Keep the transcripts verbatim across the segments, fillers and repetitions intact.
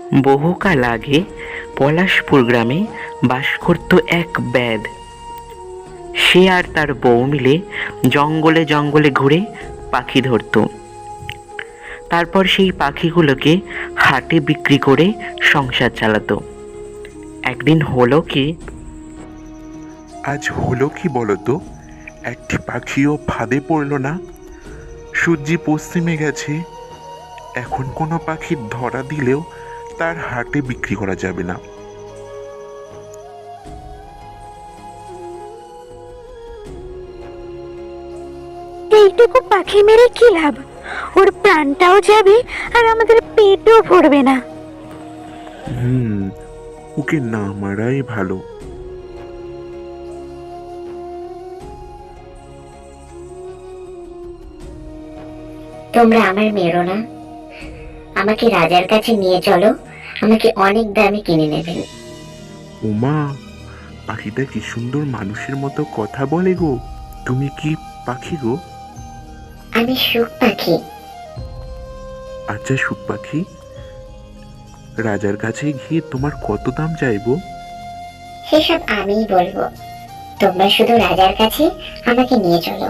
বহুকাল আগে পলাশপুর গ্রামে বাস করত এক ব্যাধ। সে আর তার বউ মিলে জঙ্গলে জঙ্গলে ঘুরে পাখি ধরত। তারপর সেই পাখিগুলোকে হাটে বিক্রি করে সংসার চালাতো। একদিন হলো কি আজ হলো কি বলতো? একটি পাখিও ফাঁদে পড়ল না। সূর্যি পশ্চিমে গেছে। এখন কোনো পাখির ধরা দিলেও তার হাটে বিক্রি করা যাবে না। এইটুকু পাখি মেরে কি লাভ? ওর প্রাণটাও যাবে আর আমাদের পেটও ভরবে না। হুম ওকে না মারাই ভালো। তোমরা আমার মেরো না, আমাকে রাজার কাছে নিয়ে চলো, আমাকে অনেক দামে কিনে নেবেন। ওমা, পাখিটা কি সুন্দর মানুষের মতো কথা বলে গো। তুমি কি পাখি গো? আমি সুখ পাখি। আচ্ছা সুখ পাখি, রাজার কাছে গিয়ে তোমার কত দাম চাইবো? সেসব আমিই বলবো, তোমরা শুধু রাজার কাছে আমাকে নিয়ে চলো।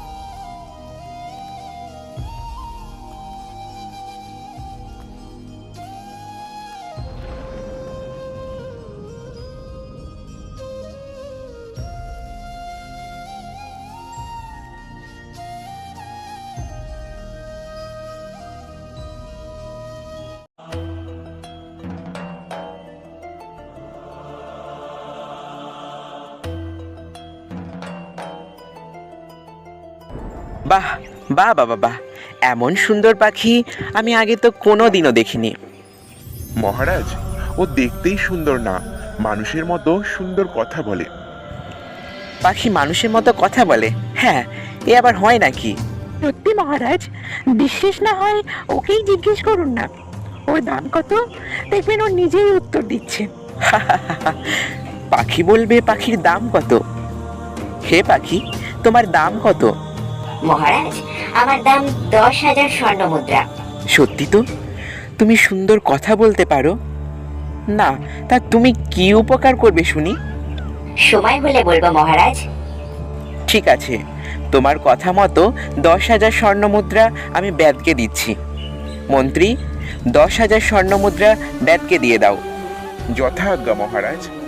বাহ বাহ বাবা বাহ, এমন সুন্দর পাখি আমি আগে তো কোনো দিনও দেখিনি। মহারাজ, ও দেখতেই সুন্দর না, মানুষের মতো সুন্দর কথা বলে। পাখি মানুষের মতো কথা বলে? হ্যাঁ, এ আবার হয় নাকি? সত্যি মহারাজ, বিশ্বাস না হয় ওকেই জিজ্ঞেস করুন না। ওর দাম কত? দেখবেন ও নিজেই উত্তর দিচ্ছে। পাখি বলবে পাখির দাম কত? হে পাখি, তোমার দাম কত? মহারাজ, আমার দাম দশ হাজার স্বর্ণ মুদ্রা। সত্যি তো? তুমি সুন্দর কথা বলতে পারো না? তা তুমি কি উপকার করবে শুনি? সময় হলে বলবো মহারাজ। ঠিক আছে, তোমার কথা মতো দশ হাজার স্বর্ণ মুদ্রা আমি ব্যাদকে দিচ্ছি। মন্ত্রী, দশ হাজার স্বর্ণ মুদ্রা ব্যাদকে দিয়ে দাও। যথাজ্ঞা মহারাজ।